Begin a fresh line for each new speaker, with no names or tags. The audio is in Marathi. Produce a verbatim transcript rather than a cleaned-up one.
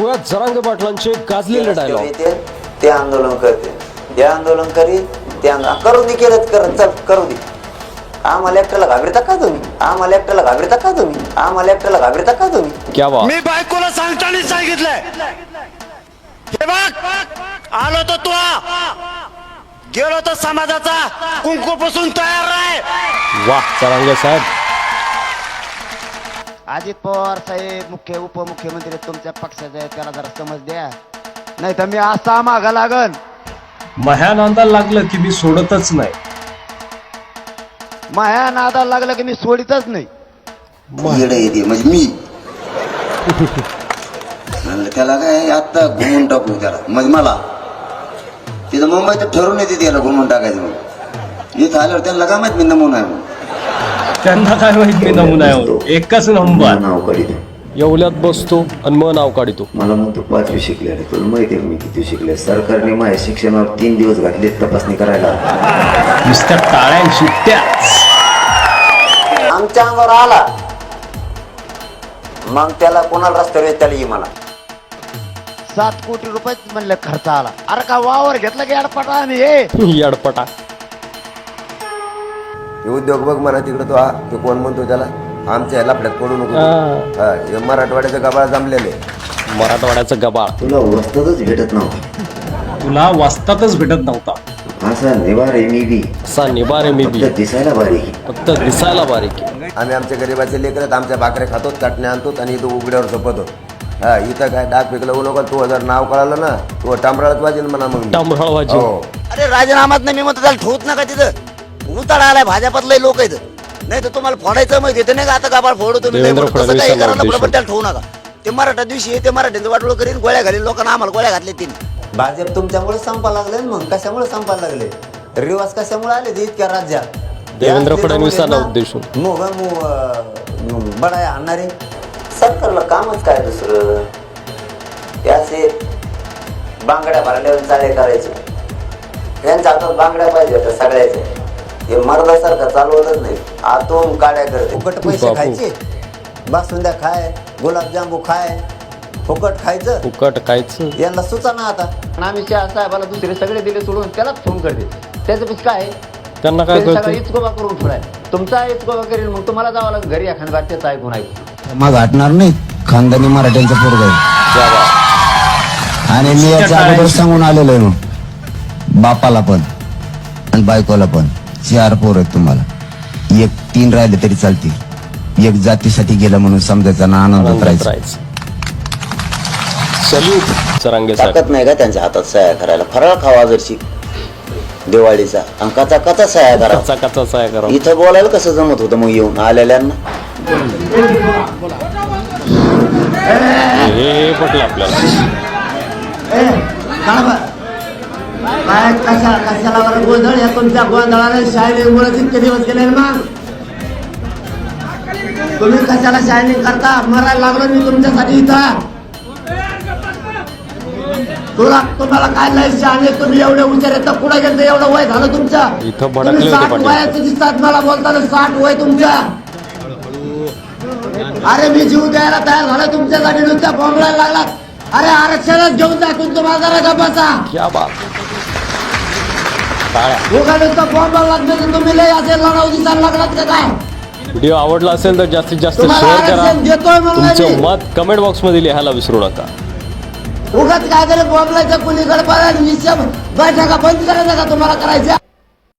ऐकूयात जरांगे पाटलांचे गाजलेले डायलॉग.
ते आंदोलन करते, ते आंदोलन करी, ते आंदोलन करू दे, केलं करत चल करू दे. आम्हाला एकट्याला घाबरता का तुम्ही? आम्हाला एकट्याला घाबरता का तुम्ही? आम्हाला एकट्याला घाबरता का तुम्ही?
क्या बात.
मी बायकोला सांगताना सांगितलंय, हे बघ आलो तर तू गेलो तर समाजाचा कुंकू पुसून तयार राह.
वाह जरांगे साहेब.
अजित पवार साहेब मुख्य उपमुख्यमंत्री तुमच्या पक्षाचे आहेत, त्याला जरा समज द्या, नाही तर मी असा मागा लागन.
माह्या नांदाला लागलं की मी सोडतच नाही.
माया नादाला लागलं की मी सोडितच नाही.
येडे येते म्हणजे मी म्हणलं त्याला काय आता घुमून टाकू त्याला, म्हणजे मला तिथं मुंबईत ठरवून येते त्याला घुमून टाकायचं. मग इथं आल्यावर त्यांना काय माहित मी नमुना आहे म्हणून.
त्यांना काय माहित मी नमुना आहे, एकच नंबर.
नाव काढितो
येवल्यात बसतो आणि मग नाव काढितो.
मला म्हणतो पाचवी शिकले, तुला माहिती आहे मी किती शिकले? सरकारने माझ्या शिक्षणावर तीन दिवस घातले तपासणी करायला.
नुसत्या टाळ्या सुट्ट्या
आमच्या अंगावर आला मग त्याला कोणाला रस्त्यावर त्याला ये म्हणा.
सात कोटी रुपये म्हणलं खर्च आला. अरे का वावर घेतला की अडपटा आम्ही हे
यडपटा.
उद्योग बघ म्हणा तिकडे तो हा तो कोण म्हणतो त्याला आमच्या लफड्यात पडू नको. हा हे मराठवाड्याचं गबाळ जमलेले.
मराठवाड्याचं गबाळ.
तुला वस्तातच भेटत नव्हता,
तुला वाचतातच भेटत नव्हता.
असा निवारे मी बी
असा निबारे मी बी.
दिसायला बारीक.
फक्त दिसायला बारीक.
आम्ही आमच्या गरीबाचे लेकरत आमच्या भाकऱ्या खातो, चटण्या आणतो आणि इथं उघड्यावर झोपतो. हा इथं काय डाग पिकलं बोलू का? तू जर नाव कळालं ना तू टांबराळच वाजेल म्हणा. मग
टांबराळ वाजेल.
हो.
अरे राजीनामात नाही मी म्हणतो त्याला ठेवत नका तिथं. उताळा आलाय भाजपातले लोक आहेत, नाही तर तुम्हाला फोडायचं माहिती येते नाही का? आता गाबाळ फोडू तुम्ही,
देवेंद्र
तसं
फडणवीस
काही
यांना
करायला
उद्देशून.
पण त्याला ठेवू नका. ते मराठा दिवशी ते मराठ्यांचं वाटोळ करीन, गोळ्या घालीन लोकांना. आम्हाला गोळ्या घातल्या तिने. भाजप तुमच्यामुळे संपा लागले मग कशामुळे संपायला लागले? रिवाज कशामुळे आले ते इतक्या राज्यात?
देवेंद्र फडणवीसांना उद्देशून
मोग बडाय आणणारे सरकारला कामच काय दुसरं? त्याचे बांगड्या भरल्यावर चाळे करायचे. यांच्या हातात बांगड्या पाहिजे होत्या सगळ्याचे. हे मर्दासारखं चालवतच नाही, आतून काड्या करते. फुकट पैसे खायचे, बासुंद्या खाय, गुलाबजांबू खाय, फुकट खायचं,
फुकट खायचं.
यांना सुचाना आता. आम्ही शाह साहेबाला दुसरे सगळे दिले सोडून त्यालाच फोन करते. त्याचं पिस काय
त्यांना काय
सगळं
कळतं?
इचकोबा करून ठेवलाय. तुमचा इचकोबा करेल मग तुम्हाला जावं लागेल घरी एखाद्या बाटल्याचं ऐकून ऐकून.
मग हटणार नाही. खानदानी मराठ्यांचा पोरग आहे आणि मी याच्या अगोदर सांगून आलेलो आहे मग बापाला पण आणि बायकोला पण. चार पोर आहेत तुम्हाला, एक तीन राहिले तरी चालतील. एक जातीसाठी गेलं म्हणून समजायचा ना आनंदात राहायचं.
सल्यूट जरांगे साहेब.
ताकद नाही का त्यांच्या हातात सह्या करायला? फराळ खावा जरशी दिवाळीचा अंकाचा कचा सह्या करा.
कच्चा कच्चा साय करा.
इथं बोलायला कसं जमत होतं मग येऊन आलेल्यांना?
हे पटलं आपल्याला.
काय कशा कशाला बरं गोंधळ? या तुमच्या गोंधळाने शायनिंगमुळे इतके दिवस गेले ना. तुम्ही कशाला शायनिंग करता? मरायला लागलो मी तुमच्यासाठी इथं. तुला तुम्हाला काय लय शहाणे, तुम्ही एवढे हुशार आहेत तर पुढे गेलं एवढं वय झालं तुमचं.
इथं भडकले होते
साठ
पाटील.
वयाचं दिसतात मला बोलताना. साठ वय तुमचं. अरे मी जीव द्यायला तयार झालं तुमच्यासाठी, नुसत्या बोंबलायला लागलात. अरे आरक्षणच घेऊन जा तुम्हाला जरा गप्पाचा.
क्या बात. टाळ्या.
उगा नुसतं बोंबाला लागलं तुम्ही लय असे लढाऊ दिसायला लागलात का काय?
व्हिडिओ आवडला असेल तर जास्तीत जास्त
तुम्हाला
शेअर करा.
आरक्षण देतोय म्हणलं
तुमचं
मी.
मत कमेंट बॉक्स मध्ये लिहायला विसरू नका.
उगाच काय तरी बोंबलायचं कुणीकडे बघा. विषय बैठका बंद करायचं का तुम्हाला करायच्या?